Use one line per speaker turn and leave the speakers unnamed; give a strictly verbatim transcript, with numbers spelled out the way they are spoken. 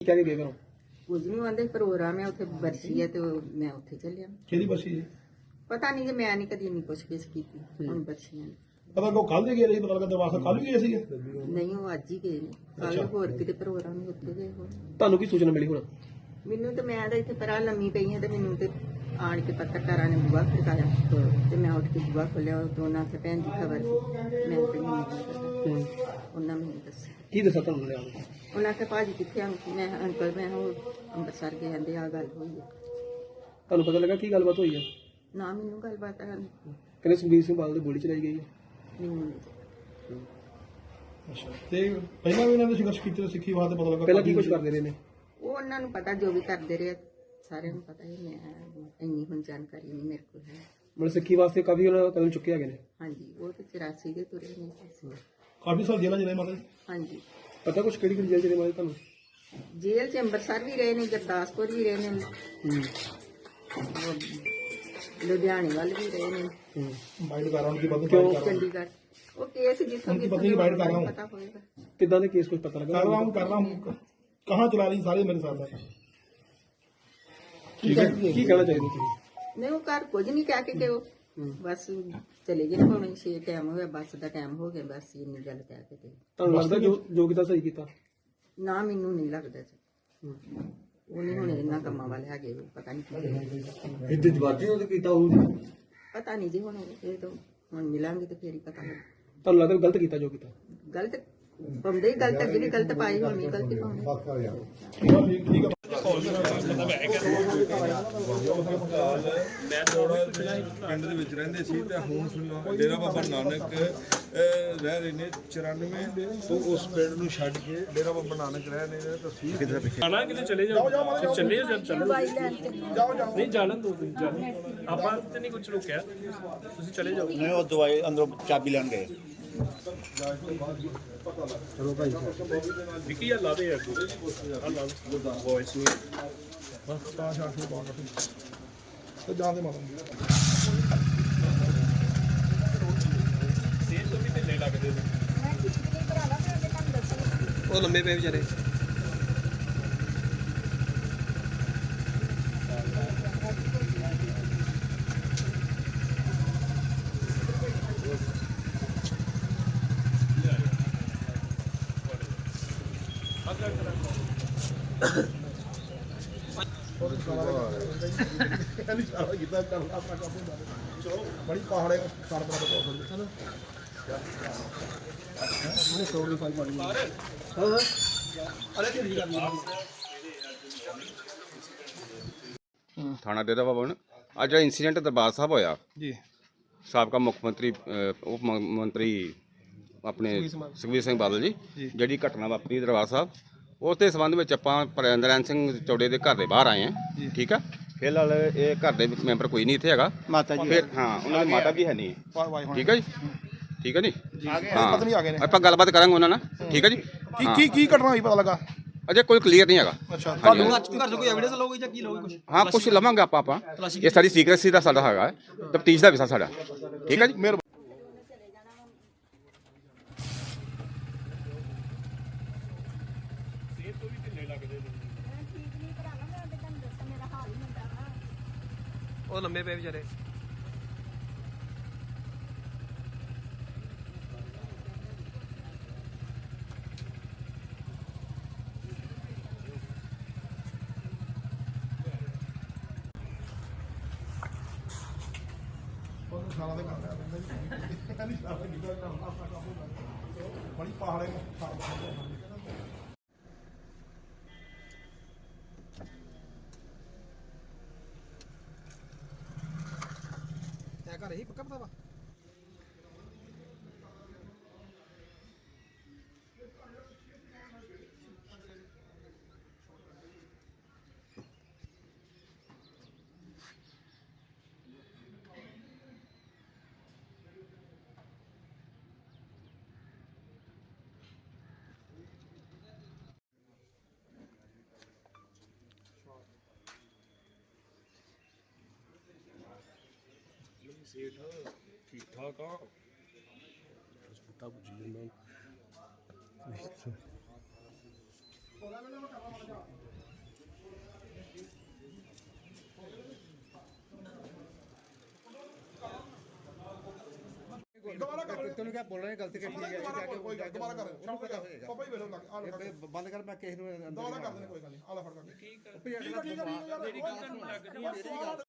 ਕਹਿ ਕੇ ਗਏ ਘਰੋਂ?
ਕੁਝ ਨਹੀਂ ਆਂਦੇ ਪ੍ਰੋਗਰਾਮ ਹੈ ਉੱਥੇ ਬਰਸੀ ਹੈ ਤੇ ਉਹ ਮੈਂ ਉੱਥੇ ਚੱਲਿਆ।
ਕਿਹਦੀ ਬਰਸੀ ਜੀ?
ਪਤਾ ਨਹੀਂ ਕਿ ਮੈਂ ਨਹੀਂ ਕਦੀ ਨਹੀਂ ਪੁੱਛ ਗਿੱਛ ਕੀਤੀ ਹੁਣ ਬਰਸੀਆਂ ਦੀ।
ਪਤਾ ਕੋ ਕੱਲ ਦੇ ਗਏ ਰਹੀ, ਪਤਾ ਲੱਗਾ ਦਰਵਾਜ਼ਾ ਕੱਲ ਵੀ ਗਏ ਸੀ।
ਨਹੀਂ ਉਹ ਅੱਜ ਹੀ ਗਏ ਨੇ, ਕੱਲ ਹੋਰ ਕਿਤੇ ਪ੍ਰੋਗਰਾਮ ਨਹੀਂ ਉੱਥੇ ਗਏ ਹੋਣ।
ਤੁਹਾਨੂੰ ਕੀ ਸੂਚਨਾ ਮਿਲੀ ਹੁਣ?
ਮੈਨੂੰ ਤੇ ਮੈਂ ਤਾਂ ਇੱਥੇ ਪਰਾਂ ਲੰਮੀ ਪਈ ਹਾਂ ਤੇ ਮੈਨੂੰ ਤੇ ਆਣ ਕੇ ਪੱਤਰਕਾਰਾਂ ਨੇ ਬੁਆ ਖੜਕਾਇਆ ਤੇ ਮੈਂ ਉੱਠ ਕੇ ਬੁਆ ਖੋਲਿਆ। ਉਹ ਦੋਨਾਂ ਤੇ ਭੈਣ ਦੀ ਖਬਰ ਸੀ, ਮੈਂ ਤੇ ਨਹੀਂ ਪਤਾ। ਉਹਨਾਂ ਮੈਨੂੰ ਦੱਸਿਆ।
ਕੀ ਦੱਸਾਂ ਤੁਹਾਨੂੰ ਲਿਆ?
ਉਹਨਾਂ ਕੇ ਭਾਜੀ ਕਿੱਥੇ ਅੰਕਲ? ਮੈਂ ਅੰਕਲ ਮੈਂ ਉਹ ਅੰਮ੍ਰਿਤਸਰ ਗਏ ਕਹਿੰਦੇ ਆ ਗੱਲ ਹੋਈ ਹੈ।
ਤੁਹਾਨੂੰ ਪਤਾ ਲੱਗਾ ਕੀ ਗੱਲਬਾਤ ਹੋਈ ਹੈ?
ਨਾ ਮੈਨੂੰ ਗੱਲਬਾਤ
ਕਹਿੰਦੇ ਸੁਖਬੀਰ ਸਿੰਘ ਬਾਦਲ ਦੀ ਗੋਲੀ ਚਲਾਈ ਗਈ ਹੈ।
ਨਹੀਂ।
ਅੱਛਾ, ਤੇ ਪਹਿਲਾਂ ਵੀ ਇਹਨਾਂ ਨੇ ਸੰਘਰਸ਼ ਕੀਤੇ ਸਿੱਖੀ ਵਾਸਤੇ, ਪਤਾ ਲੱਗਾ ਪਹਿਲਾਂ ਕੀ ਕੁਝ ਕਰਦੇ ਰਹੇ ਨੇ?
ਉਹ ਉਹਨਾਂ ਨੂੰ ਪਤਾ ਜੋ ਵੀ ਕਰਦੇ ਰਹੇ ਸਾਰਿਆਂ ਨੂੰ ਪਤਾ ਹੀ। ਮੈਂ ਇੰਨੀ ਹੁਣ ਜਾਣਕਾਰੀ ਨਹੀਂ ਮੇਰੇ ਕੋਲ ਹੈ।
ਮਤਲਬ ਸਿੱਖੀ ਵਾਸਤੇ ਕਾਫੀ ਉਹਨਾਂ ਕਦਮ ਚੁੱਕੇ ਹੈਗੇ ਨੇ।
ਹਾਂਜੀ, ਉਹ ਤੇ ਚੁਰਾਸੀ ਦੇ ਤੁਰੇ ਨੇ।
ਕਾਫੀ ਸਾਲ ਜੇਲ੍ਹਾਂ ਜਿਹੜੇ ਮਾਤਾ ਜੀ?
ਹਾਂਜੀ।
ਪਤਾ ਕੁਝ ਕਿਹੜੀ ਕਿਹੜੀ ਜੇਲ੍ਹ ਜਿਹੜੇ ਮਾਤਾ ਤੁਹਾਨੂੰ?
ਜੇਲ੍ਹ ਚ ਅੰਮ੍ਰਿਤਸਰ ਵੀ ਰਹੇ ਨੇ, ਗੁਰਦਾਸਪੁਰ ਵੀ ਰਹੇ ਨੇ, ਲੁਧਿਆਣੇ ਵੱਲ ਵੀ ਰਹੇ ਨੇ।
ਬਾਈਟ ਕਰ ਰਹਾ ਹਾਂ ਕਿ ਬਾਤ
ਕਿਉਂ? ਚੰਡੀਗੜ੍ਹ ਉਹ ਕੇਸ ਜਿੱਥੋਂ
उनकी पत्नी की बाइट कर रहा हूँ।
ਪਤਾ ਹੋਏਗਾ
कितना ने केस कुछ पता लगा? कर रहा हूँ कर रहा हूँ कहाँ चला रही सारे मेरे साथ है। ठीक है, की कहना चाहिए ਤੁਸੀਂ?
ਨਹੀਂ ਉਹ ਘਰ ਕੁਝ ਨਹੀਂ ਕਹਿ ਕੇ ਕਿ ਉਹ ਬਸ ਚਲੇ ਗਏ ਹੁਣ ਛੇ ਟਾਈਮ ਹੋ ਗਿਆ, ਬੱਸ ਦਾ ਟਾਈਮ ਹੋ ਗਿਆ, ਬਸ ਇੰਨੀ ਗੱਲ ਕਹਿ ਕੇ ਤੇ।
ਤੁਹਾਨੂੰ ਲੱਗਦਾ ਜੋ ਜੋ ਕੀਤਾ ਸਹੀ ਕੀਤਾ?
ਨਾ ਮੈਨੂੰ ਨਹੀਂ ਲੱਗਦਾ ਜੀ। ਉਹ ਨਹੀਂ ਹੁਣ ਇਹਨਾਂ ਕੰਮਾਂ ਵਾਲੇ ਹੈਗੇ, ਪਤਾ ਨਹੀਂ
ਇੱਥੇ ਜਵਾਜੀ ਉਹਦੇ ਕੀਤਾ ਉਹ
ਪਤਾ ਨਹੀਂ ਜੀ। ਹੁਣ ਇਹ ਤਾਂ ਹੁਣ ਮਿਲਾਂਗੇ ਤੇ ਫੇਰ ਹੀ ਪਤਾ ਲੱਗ।
ਤੁਹਾਨੂੰ ਲੱਗਦਾ ਗਲਤ ਕੀਤਾ ਜੋ ਕੀਤਾ?
ਗਲਤ ਪਾਉਂਦੇ ਹੀ ਗਲਤ, ਅੱਗੇ ਵੀ ਗਲਤ ਪਾਈ, ਹੁਣ ਵੀ ਗਲਤੀ ਪਾਉਂਦੇ।
ਮੈਂ ਥੋੜਾ ਪਿੰਡ ਦੇ ਵਿੱਚ ਰਹਿੰਦੇ ਸੀ ਤੇ ਹੁਣ ਫਿਲਹਾਲ ਡੇਰਾ ਬਾਬਾ ਨਾਨਕ ਰਹਿ ਰਹੇ ਨੇ ਚੁਰਾਨਵੇਂ ਤੋਂ ਉਸ ਪਿੰਡ ਨੂੰ ਛੱਡ ਕੇ ਡੇਰਾ ਬਾਬਾ ਨਾਨਕ ਰਹਿ ਰਹੇ ਨੇ। ਤਸਵੀਰ ਕਿਧਰ ਪਿੱਛੇ
ਆਣਾ ਕਿਤੇ ਚਲੇ ਜਾਓ, ਚੱਲੇ ਜਾਓ, ਚੱਲੋ ਨਹੀਂ ਜਾਣ ਦੋ ਤੁਸੀਂ ਜਾਣ, ਆਪਾਂ ਤੇ ਨਹੀਂ ਕੁਝ ਰੁਕਿਆ, ਤੁਸੀਂ ਚਲੇ ਜਾਓ।
ਨਹੀਂ ਉਹ ਦਵਾਈ ਅੰਦਰੋਂ ਚਾਬੀ ਲੈਣ ਗਏ।
ਚਲੋ ਭਾਈ
ਵਿੱਕੀ ਆ ਲਾ ਦੇ ਯਾਰ ਆ ਲਾ ਵੌਇਸ ਨੂੰ
ਬਸ ਤਾਂ ਸ਼ਾਟ ਨੂੰ ਬਾਹਰ ਤੇ ਜਾਂਦੇ ਮਾਤਾ
ਸੇਲ ਤੋਂ ਵੀ ਢਿੱਲੇ ਲੱਗਦੇ ਨੇ।
ਉਹ ਲੰਮੇ ਪਏ ਵਿਚਾਰੇ। बड़ी पहाड़े सार बड़ा हो सकते
ਥਾਣਾ ਡੇਰਾ ਬਾਬਾ ਨਾਨਕ ਅੱਜ ਜਿਹੜਾ ਇੰਸੀਡੈਂਟ ਦਰਬਾਰ ਸਾਹਿਬ ਹੋਇਆ
ਜੀ,
ਸਾਬਕਾ ਮੁੱਖ ਮੰਤਰੀ ਉਪ ਮੰਤਰੀ ਆਪਣੇ ਸੁਖਬੀਰ ਸਿੰਘ ਬਾਦਲ ਜੀ ਜਿਹੜੀ ਘਟਨਾ ਵਾਪਰੀ ਦਰਬਾਰ ਸਾਹਿਬ, ਉਸ ਦੇ ਸੰਬੰਧ ਵਿੱਚ ਆਪਾਂ ਨਰੈਣ ਸਿੰਘ ਚੌੜੇ ਦੇ ਘਰ ਦੇ ਬਾਹਰ ਆਏ ਹਾਂ। ਠੀਕ ਆ, ਫਿਲਹਾਲ ਇਹ ਘਰ ਦੇ ਵਿੱਚ ਮੈਂਬਰ ਕੋਈ ਨਹੀਂ ਇੱਥੇ ਹੈਗਾ।
ਮਾਤਾ ਜੀ
ਫਿਰ ਹਾਂ ਉਹਨਾਂ ਦੀ ਮਾਤਾ ਵੀ ਹੈ ਨਹੀਂ। ਠੀਕ ਹੈ ਜੀ, ਠੀਕ ਹੈ ਜੀ। ਹਾਂ
ਪਤਨੀ ਆ ਗਏ ਨੇ।
ਆਪਾਂ ਗੱਲਬਾਤ ਕਰਾਂਗੇ ਉਹਨਾਂ ਨਾਲ। ਠੀਕ ਹੈ ਜੀ।
ਕੀ ਕੀ ਕੀ ਘਟਨਾ ਹੋਈ ਪਤਾ ਲੱਗਾ?
ਅਜੇ ਕੋਈ ਕਲੀਅਰ ਨਹੀਂ ਹੈਗਾ।
ਅੱਛਾ,
ਤੁਹਾਨੂੰ
ਘਰ ਤੋਂ ਕੋਈ ਐਵੀਡੈਂਸ ਲਓਗੇ ਜਾਂ ਕੀ ਲਓਗੇ ਕੁਝ?
ਹਾਂ ਕੁਝ ਲਵਾਂਗੇ ਆਪਾਂ ਆਪਾਂ ਇਹ ਸਾਡੀ ਸੀਕ੍ਰੇਸੀ ਦਾ ਸਾਡਾ ਹੈਗਾ, ਤਫਤੀਸ਼ ਦਾ ਵਿਸ਼ਾ ਸਾਡਾ। ਠੀਕ ਹੈ ਜੀ।
ਉਹ ਲੰਮੇ ਪਏ ਵਿਚਾਰੇ।
बड़ी पहाड़े
ਘਰ ਹੀ ਪੱਕਾ ਪਤਾ ਵਾ।
ਸੇਠ ਠੀਕ ਠਾਕ ਆ। ਹਸਪਤਾਲ ਪੁੱਜੀ ਜਾਂਦਾ
ਦੁਬਾਰਾ ਕਰ
ਤੈਨੂੰ ਕਿਹਾ ਬੋਲਣਾ ਗਲਤੀ ਕਿ ਠੀਕ ਹੈ
ਦੁਬਾਰਾ ਕਰ ਕੋਈ ਗੱਲ ਦੁਬਾਰਾ ਕਰ
ਉਹਨੂੰ ਪਤਾ ਹੋਏਗਾ
ਪਾਪਾ ਹੀ ਵੇਲੋ ਲੱਗ ਆ ਲੋ
ਇਹ ਬੰਦ ਕਰ ਮੈਂ ਕਿਸੇ ਨੂੰ ਅੰਦਰ
ਦੁਬਾਰਾ ਕਰ ਦੇਣੇ ਕੋਈ ਗੱਲ ਨਹੀਂ ਆ ਲੈ ਫੜ ਕਰ
ਠੀਕ ਹੈ
ਠੀਕ ਹੈ ਠੀਕ ਹੈ ਠੀਕ ਹੈ ਯਾਰ
ਮੇਰੀ ਗੱਲ ਤੁਹਾਨੂੰ ਲੱਗਦੀ ਹੈ